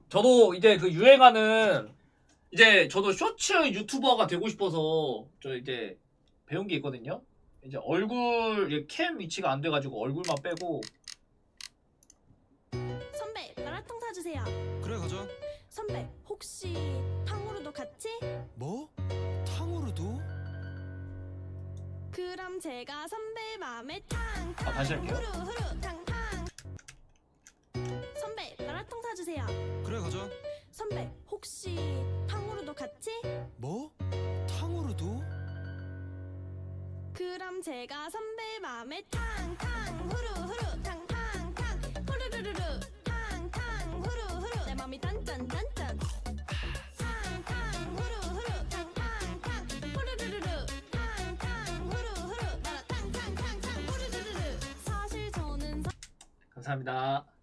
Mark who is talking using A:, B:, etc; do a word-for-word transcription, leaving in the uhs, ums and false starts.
A: 저도 이제 그 유행하는 이제 저도 쇼츠 유튜버가 되고 싶어서 저 이제 배운 게 있거든요. 이제 얼굴 이제 캠 위치가 안 돼가지고 얼굴만 빼고.
B: 선배 마라탕 사주세요.
C: 그래 가자.
B: 선배 혹시 탕후루도 같이?
C: 뭐? 탕후루도?
B: 그럼 제가 선배 맘에 탕탕
A: 아, 다시 할게요.
B: 후루 후루 탕탕. 선배 마라탕 사주세요.
C: 그래 가자.
B: 선배 혹시 탕후루도 같이?
C: 뭐? 탕후루도?
B: 그럼 제가 선배 맘에 탕탕 후루 후루 탕탕탕 후루루루루 탕탕 후루 후루 내 맘이 딴딴딴딴 탕탕 후루 후루 탕탕탕 후루루루루 탕탕 후루 후루 나라 탕탕탕탕 후루루루루 사실 저는
A: 감사합니다.